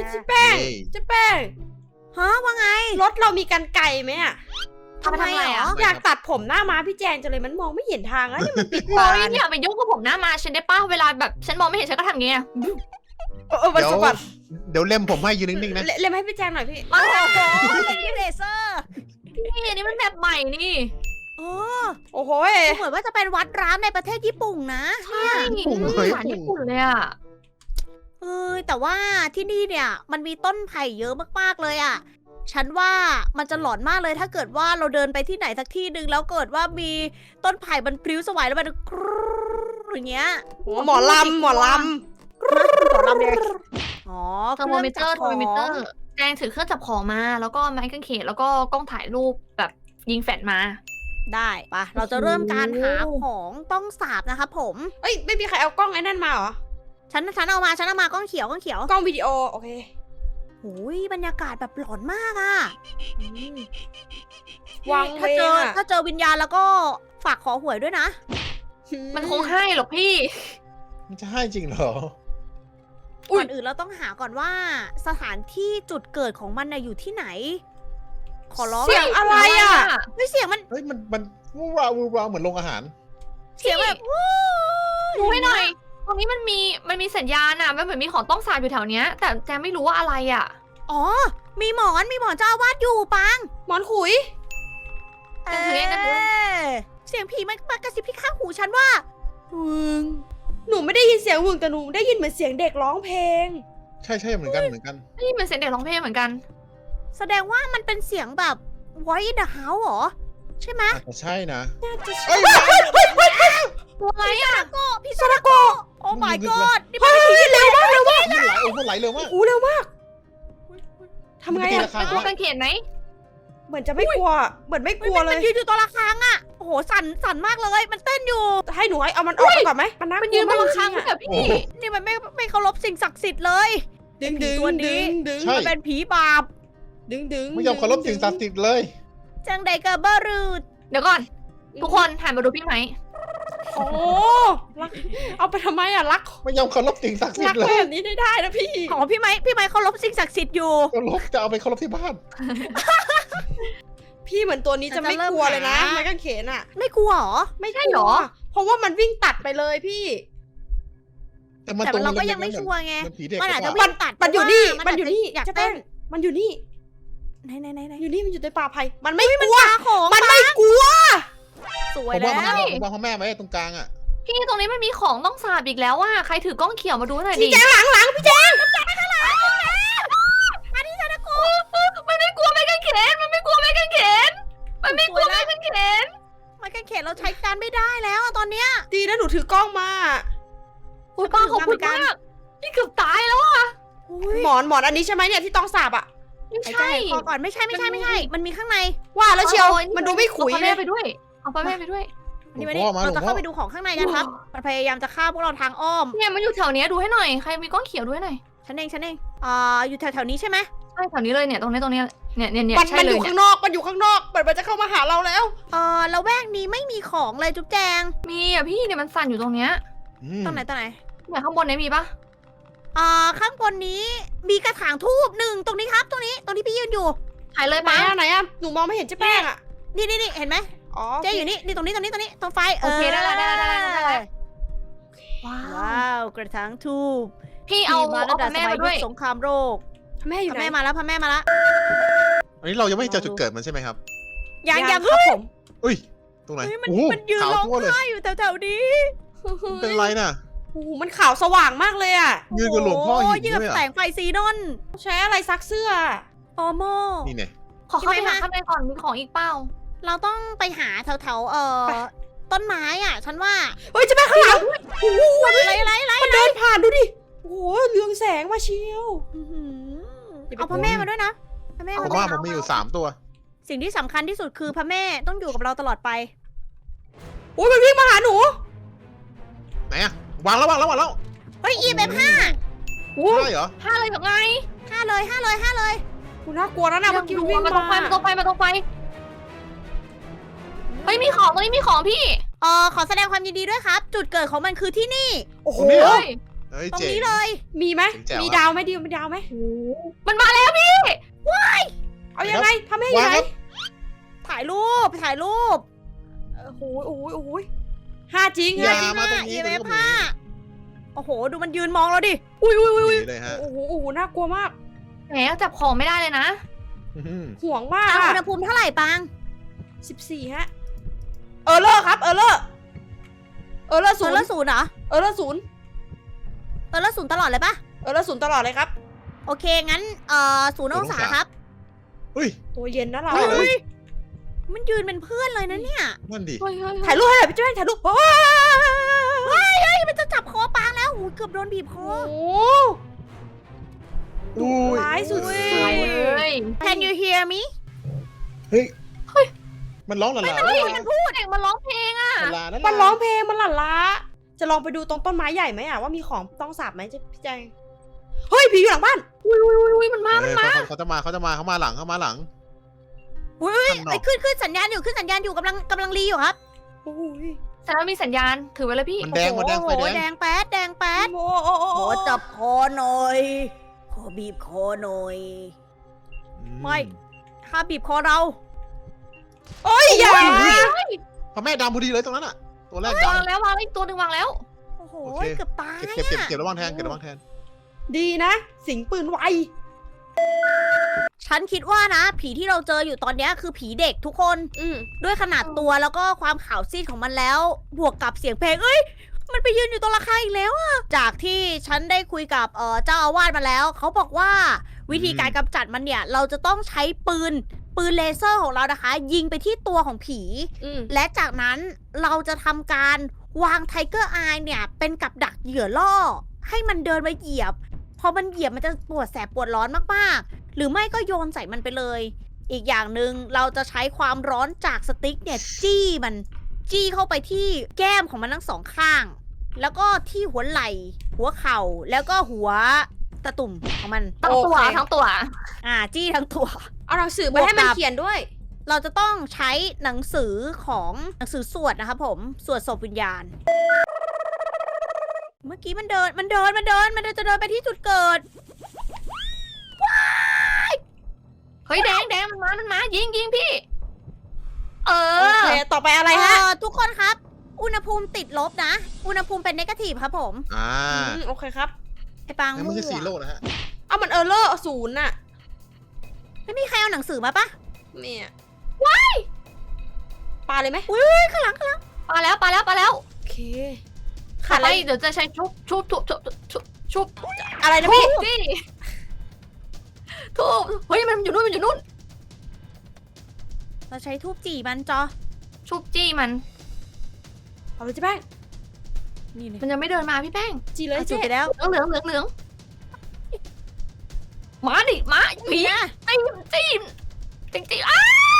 เจ๊แป้งเจ๊แป้งฮะว่าไงรถเรามีกันไกรไหมอะทำไมเหรออยากตัดผมหน้าม้าพี่แจงจังเลยมันมองไม่เห็นทางแล้วนี่มันปิดโอ้ตายอย่าไปยุ่งกับผมหน้ามาฉันได้ป้าเวลาแบบฉันมองไม่เห็นฉันก็ทำอย่างเงี้ยมันสะบัดเดี๋ยวเล่มผมให้ยืนนิ่งๆนะเล่มให้พี่แจงหน่อยพี่โอ้โหเลเซอร์นี่อันนี้มันแบบใหม่นี่โอ้โอ้โหเหมือนว่าจะเป็นวัดร้างในประเทศญี่ปุ่นนะใช่อาหารญี่ปุ่นเลยอ่ะแต่ว่าที่นี่เนี่ยมันมีต้นไผ่เยอะมากๆเลยอ่ะ ฉันว่ามันจะหลอนมากเลยถ้าเกิดว่าเราเดินไปที่ไหนสักที่หนึ่งแล้วเกิดว่ามีต้นไผ่มันพลิ้วสวายแล้วมันกรู๊อย่างเงี้ยหมอลำหมอลำเลยอ๋อเทอร์โมมิเตอร์แจงถือเครื่องจับของมา แล้วก็ไม้กางเขนแล้วก็กล้องถ่ายรูปแบบยิงแฟลชมาได้ปะเราจะเริ่มการหาของต้องสาบนะคะผมเอ้ยไม่มีใครเอากล้องไอ้นั่นมาเหรอฉันเอามากล้องเขียวกล้องวิดีโอโอเคโอ้ยบรรยากาศแบบหลอนมากอะวางเวถ้าเจอวิญญาณแล้วก็ฝากขอหวยด้วยนะมันคงให้หรอกพี่มันจะให้จริงเหรอก่อนอื่นเราต้องหาก่อนว่าสถานที่จุดเกิดของมันน่ะอยู่ที่ไหน ขอร้องเสียงอะไรอ่ะไม่เสียงมันเฮ้ยมันวูราวเหมือนโรงอาหารเสียงแบบดูให้หน่อย ตรงนี้มันมีสัญญาณอ่ะมันเหมือนมีของต้องสาบอยู่แถวเนี้ย แต่แจงไม่รู้ว่าอะไรอ่ะอ๋อ มีหมอนเจ้าอาวาดอยู่ปังหมอนขุยเป็นเสียงกันเลยเสียงผีมันมากระซิบที่ข้างหูฉันว่าวึงหนูไม่ได้ยินเสียงวึงแต่หนูได้ยินเหมือนเสียงเด็กร้องเพลงใช่เหมือนกันนี่มันเสียงเด็กร้องเพลงเหมือนกันแสดงว่ามันเป็นเสียงแบบ Voice in the House เหรอ ใช่ไหมอาจจะใช่นะน่าจะเอ้ยตัวอะไรอ่ะพี่ซาดาโกะโอ้ my god นี่มันเร็วมากเร็วมากมันไหลเร็วมากโอ้เร็วมากทำไงตีอะราคาเป็นตัวกางเขนไหมเหมือนจะไม่กลัวเหมือนไม่กลัวเลมันยยืนอยู่ตัวละครั้งอะโอ้โหสั่นมากเลย มันเต้นอยู่ให้หนูเอามันออกไปก่อนไหมมันน่ากมันลัยืวนบมากนจคริรั้งงๆอะแบบพี่โอ้โหนี่มันไม่เคารพสิ่งศักดิ์สิทธิ์เลยดึงไอ้ผีตัวนี้ดึงใช่มันเป็นผีบาปดึงไม่ยอมเคารพสิ่งศักดิ์สิทธิ์เลยจังใดกะเบอรูดเดี๋ยวก่อน ทุกคนหันมาดูพี่ไหมโอ้รักเอาไปทำไมอะรักไม่ยอมเคารพสิ่งศักดิ์สิทรักธิ์เลแบยบนี้ได้นะพี่ของพี่ไม้เคารพสิ่งศักดิ์สิทธิ์อยู่เคารพจะเอาไปเคารพที่บ้านพี่เหมือนตัวนี้จะไม่กลัวเลยนะไม้กางเขนอะไม่กลัวเหรอไม่กลัวเพราะว่ามันวิ่งตัดไปเลยพี่แต่มันแต่ตรงเราก็ยังไม่ชัวร์ไงมันผีเด็กมันอาจจะกว่าวิ่งตัดมันอยู่นี่เพราะว่ามันอยู่นี่อยากจะเต้เต้นนมันอยู่นี่ไหนอยู่นี่มันอยู่ในป่าไผ่มันไม่กลัวปลาของมันไม่กลัวสผวยมแล้ว่าว พ่อแม่ไว้ตรงกลางอ่ะพี่ตรงนี้มันมีของต้องสาบอีกแล้วอ่ะใครถือกล้องเขียวมาดูหน่อยดิพี่แจงหลังพี่แจงมันไม่กลัวไม้กางเขนมันไม่กลัวไม้กางเขนมันไม่กลัวไม้กางเขนมันกันเขนเราใช้การไม่ได้แล้วอะตอนเนี้ยดีนะหนูถือกล้องมาอุ้ยป้าขอบคุณมากพี่เกือบตายแล้วอ่ะหมอนอันนี้ใช่ไหมเนี่ยที่ต้องสาบอะไม่ไอ้ใช่ใจคอก่อนไม่ใช่ มันมีข้างในว่าแล้วเชียวมันดูไม่ขุยเอาเลแม่ยไปด้วยเอาป้าแม่ไปด้วยนี่มาดิเราจะเข้าไปดูของข้างในกันครับ มันพยายามจะฆ่าพวกเราทางอ้อมเนี่ยมันอยู่แถวเนี้ยดูให้หน่อยใครมีกล้องเขียวดูให้หน่อยฉันเองอยู่แถวๆนี้ใช่ไหมใช่แถวนี้เลยเนี่ยตรงนี้เนี่ยมันใช่มันเลอย ยู่เนี่ยข้างนอกมันอยู่ข้างนอกมันจะเข้ามาหาเราแล้วละแวกนี้ไม่มีของเลยจุ๊บแจงมีอ่ะพี่เนี่ยมันสั่นอยู่ตรงเนี้ยตรงไหนเนี่ยข้างบนเนี้ยมีปะข้างบนนี้มีกระถางทูบหนึ่งตรงนี้ครับตรงนี้พี่ยืนอยู่ถ่ายเลยไหนป้าอะหนูมองไม่เห็นเจ๊แป้งอะนี่เห็นไหมอ๋อเจ๊อยู่นี่ตรงนี้ตรงไฟโอเคได้แล้วว้าว้าวกระถางทูบพี่เอามาตั้งแต่พ่อสแม่มัยมายุด้วยคสงครามโลกแม่อยู่พระไหนแม่มาแล้วพระแม่มาแล้วอันนี้เรายังไม่เจอจุดเกิดมันใช่ไหมครับยังครับผมอุ้ยตรงไหนมันโอ้โหมันยืนขาวร้องทั่วเลยไห้อยู่แถวๆนี้เป็นไรน่ะโอ้โหมันขาวสว่างมากเลยอะยืนกับหลวงพ่อหินยืนด้วยกับอ่ะแสงไฟซีนอนใช้อะไรซักเสื้อโอโมนี่เนี่ยขอเข้าไปหาข้างในก่อนมีของอีกเปล่าเราต้องไปหาแถวต้นไม้อ่ะ ฉันว่าเฮ้ยเจ๊แป้งข้างหลังโอ้โหอะไรมันเดินผ่านดูดิโอ้โหเรืองแสงมาเชียวเอาพระแม่มาด้วยนะพระแม่ผมมาว่าผมมีอยู่3ตัวสิ่งที่สำคัญที่สุดคือพระแม่ต้องอยู่กับเราตลอดไปโอ้ยมันวิ่งมาหาหนูไหนอะวางแล้วเฮ้ย EMF ใช่เหรอห้าเลยแบบไง 5เลยกูน่ากลัวนะเมื่อกี้มันวิ่งมาตรงไฟมามาตรงไฟเฮ้ยมีของตรงนี้มีของพี่ขอแสดงความยินดีด้วยครับ จุดเกิดของมันคือที่นี่โอ้โหตรงนี้เหรอเฮ้ยเฮ้ยตรงเจ๋งนี้เลยมีไหมแจ๋วมีครับดาวไหมดิวมีดาวไหมมันมาแล้วพี่เอายังไงทำให้ยัวางงไงครับถ่ายรูปถ่ายรูปโอ้โหโอ้โหโอ้โหห้าจริงอย่าห้าจริงมาตรงนี้ EMF ตรงนี้ 5โอ้โห ดูมันยืนมองเราดิอุ้ยอุ้ยอุ้ยหอุ้ยนีเลยฮะโอ้โหโอ้โหน่ากลัวมากแหมจับของไม่ได้เลยนะห่วงมากเอาอะอุณหภูมิเท่าไหร่ปัง 14ฮะเออเลอร์ครับเออเลอร์ศูศูนนย์ย์ละศูนย์เหรอเออเลอร์ศูนย์ศูนย์ตลอดเลยปะเออเลอร์ศูนย์ตลอดเลยครับโอเค งั้นศูนย์องศาครับเฮ้ยตัวเย็นนะเราเฮ้ยเฮ้ย มันยืนเป็นเพื่อนเลยนะเนี่ยนั่นดิเฮ้ยเฮ้ยถ่ายรูปให้หน่อยพี่เจ้าถ่ายรูปโอ้เฮ้ย มันจะจับคอปางแล้วโอ้ยเกือบโดนบีบคอโหอุ้ยร้ายสุดตายเลย Can you hear me เฮ้ยมันร้องหลาเฮ้ยมันพูดเด็กมันร้องเพลงอ่ะหลานั่นมันร้องเพลงมันหลั่นล้าจะลองไปดูตรงต้นไม้ใหญ่ไหมอะว่ามีของต้องสาบไหมจะพี่แจงเฮ้ยผีอยู่หลังบ้านอุ้ยมันมาเขาจะมาเขามาหลังเฮ้ยข้างนอกไอ้ขึ้นสัญญาณอยู่กำลังรีอยู่ครับโอ้ยแต่มันมีสัญญาณถือไว้เลยพี่มันแดงไฟโอ้แดโหงแดงแป๊ดแดงแป๊ดโอ้โอ้โอ้ขอจับคอหน่อย ขอบีบคอหน่อย ไม่ ถ้าบีบคอเราโอ้ยอย่าพระแม่ดำพอดีเลยตรงนั้นอ่ะ ตัวแรกดวางแล้ววางอีกตัวหนึ่งวางแล้วโอ้โหโอเคเกือบตายำเก็บระวังแทนดีนะ สิงปืนไวฉันคิดว่านะ ผีที่เราเจออยู่ตอนเนี้ยคือผีเด็กทุกคนอืมด้วยขนาดตัวแล้วก็ความขาวซีดของมันแล้ว บวกกับเสียงเพลง เอ้ย มันไปยืนอยู่ตรงระฆังอีกแล้วอะจากที่ฉันได้คุยกับเจ้าอาวาสมาแล้ว เขาบอกว่าวิธีการกำจัดมันเนี่ย เราจะต้องใช้ปืนเลเซอร์ของเรานะคะ ยิงไปที่ตัวของผีอืมและจากนั้นเราจะทำการวางไทเกอร์อายเนี่ย เป็นกับดักเหยื่อล่อ ให้มันเดินมาเหยียบ พอมันเหยียบมันจะปวดแสบปวดร้อนมากๆ หรือไม่ก็โยนใส่มันไปเลย อีกอย่างหนึ่งเราจะใช้ความร้อนจากสติ๊กเนี่ย จี้เข้าไปที่แก้มของมันทั้งสองข้าง แล้วก็ที่หัวไหล่ หัวเข่าแล้วก็หัวตะตุ่มของมันทั้งตัวทั้งตัวจี้ทั้งตัวเอาหนังสือไปให้มันเขียนด้วยเราจะต้องใช้หนังสือของหนังสือสวดนะครับผม สวดศพวิญญาณ เมื่อกี้มันเดินจะเดินไปที่จุดเกิดเฮ้ยแดงมันมายิงพี่ เอโออเค ต่อไปอะไรฮะทุกคนครับ อุณหภูมิติดลบนะ อุณหภูมิเป็นเนกาทีฟครับผมโอเคครับไอ้ปังนั่นมั่ไม่ใช่ซีวโร่นะฮะเอามันเออเลอร์ศูนย์น่ะไม่มีใครเอาหนังสือมาปะเมียว้ายปลาเลยไหมอุ้ยข้างหลังปาแล้วโอเคขาขาดดอะอะไร ไรเดี๋ยวจะใช้ชุบอะไรนะทุพี่บพี่ทุบเฮ้ยมันอยู่นู่นเราใช้ทูบจี่มันจอชุบจี้มันเอาเลยเจ๊แป้งนี่เลยมันยังไม่เดินมาพี่แป้งจีเลยจุเจ๊ดไปแล้วเหลืองมาดิมาผีนี่นะจี้อ้า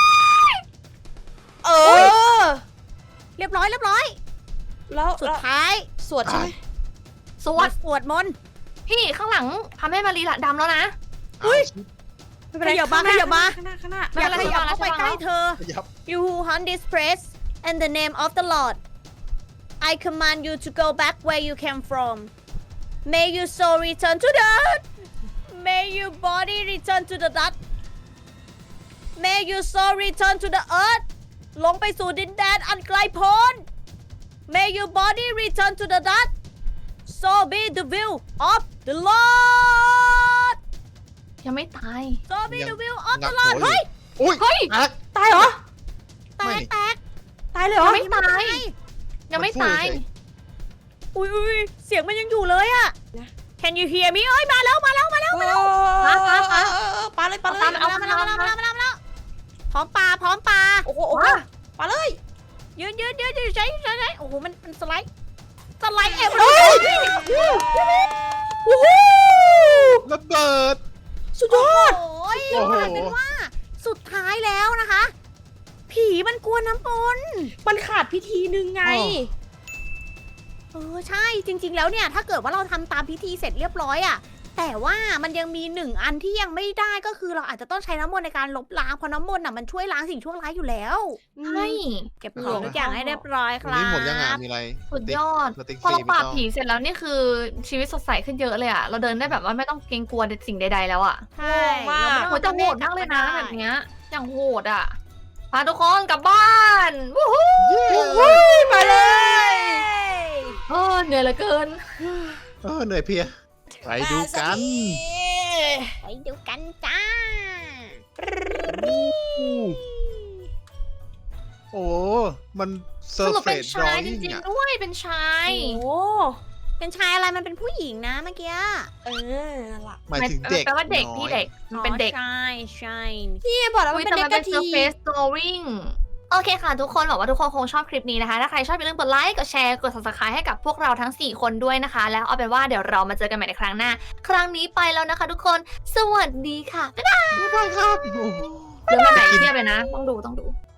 เออเรียบร้อยแล้วสุดท้ายสวดใช่ไหมสวดสวดมนต์พี่ข้างหลังพาแม่มารีละดำแล้วนะอุ๊ยไม่เป็นไรขยับมาข้งหน้ขยับมาข้างหน้าข้างหน้าไม่อยากเป็นไรขยับเข้าไปไม่เป็นไรใกล้เธอขยับ You who hunt this place in the name of the Lord I command you to go back where you came from May your soul return to the earth May your body return to the dust May your soul return to the earth ลงไปสู่ดินแดนอันไกลโพ้น May your body return to the dust So be the will of the Lord ยังไม่ตาย So be the will of งั the บ Lord หัวอยู่เฮ้ยอุ้ยเฮ้ยอักตายเหรอแตกตายเลยเหรอยังไม่ตาย ยังไม่ตายอุ้ยเสียงมันยังอยู่เลยอะนะ Can you hear me เอ้ยมาแล้วปลาเลยปลาเลยมาแล้วพร้อมปลาโอ้โหปลาเลยยืนใช้โอ้โหมันสไลด์เอ็มเฮ้ยโอ้โหระเบิดสุดยอดโอ้ยโอ้โหว่ากันว่าสุดท้ายแล้วนะคะ ผีมันกลัวน้ำปนมันขาดพิธีหนึ่งไงใช่จริง ๆ แล้วเนี่ย ถ้าเกิดว่าเราทำตามพิธีเสร็จเรียบร้อยอะแต่ว่ามันยังมีหนึ่งอันที่ยังไม่ได้ก็คือเราอาจจะต้องใช้น้ำมนต์ในการลบล้างเพราะน้ำมนต์น่ะมันช่วยล้างสิ่งชั่วร้ายอยู่แล้วใช่เก็บของทุกอย่างให้เรียบร้อยคตรงรันี้หมดยังอ่ะบมีอะไรสุดยอดสติ๊กพอเราฟรีปราบไม่ต้องผีเสร็จแล้วนี่คือชีวิตสดใสขึ้นเยอะเลยอะเราเดินได้แบบว่าไม่ต้องเกรงกลัวสิ่งใดๆแล้วอะใช่มากเราโหไม่จะต้องโหดมากเลยนะได้แบบเนี้ยอย่างโหดอะพาทุกคนกลับบ้านวู้ฮู้ไปเลยเหนื่อยเหลือเกินเหนื่อยเพลียไปดูกันไปดูกันจ้าโอ้มันเซสอร์รุปเฟเป็นสดรอชายจยิ่งริงอ่ะๆด้วยเป็นชายโอ้เป็นชายอะไรมันเป็นผู้หญิงนะเมื่อกี้นั่นล่ะหมายถึงเด็กแปลว่าเด็กน้อยพี่เด็กมันเป็นเด็กใช่ใช่พี่บอกแล้วอุ๊มันยเป็นแต่เด็มักนกเป็นระที surface drawing โอเคค่ะทุกคนหวังว่าทุกคนคงชอบคลิปนี้นะคะ ถ้าใครชอบอย่าลืมกดไลค์ กดแชร์ กด subscribe ให้กับพวกเราทั้ง 4 คนด้วยนะคะ แล้วเอาเป็นว่าเดี๋ยวเรามาเจอกันใหม่ในครั้งหน้า ครั้งนี้ไปแล้วนะคะทุกคน สวัสดีค่ะ บ๊ายบายไม่ได้ครับโอ้โหเดี๋ยวมาไหนเทียบเลยนะ ต้องดู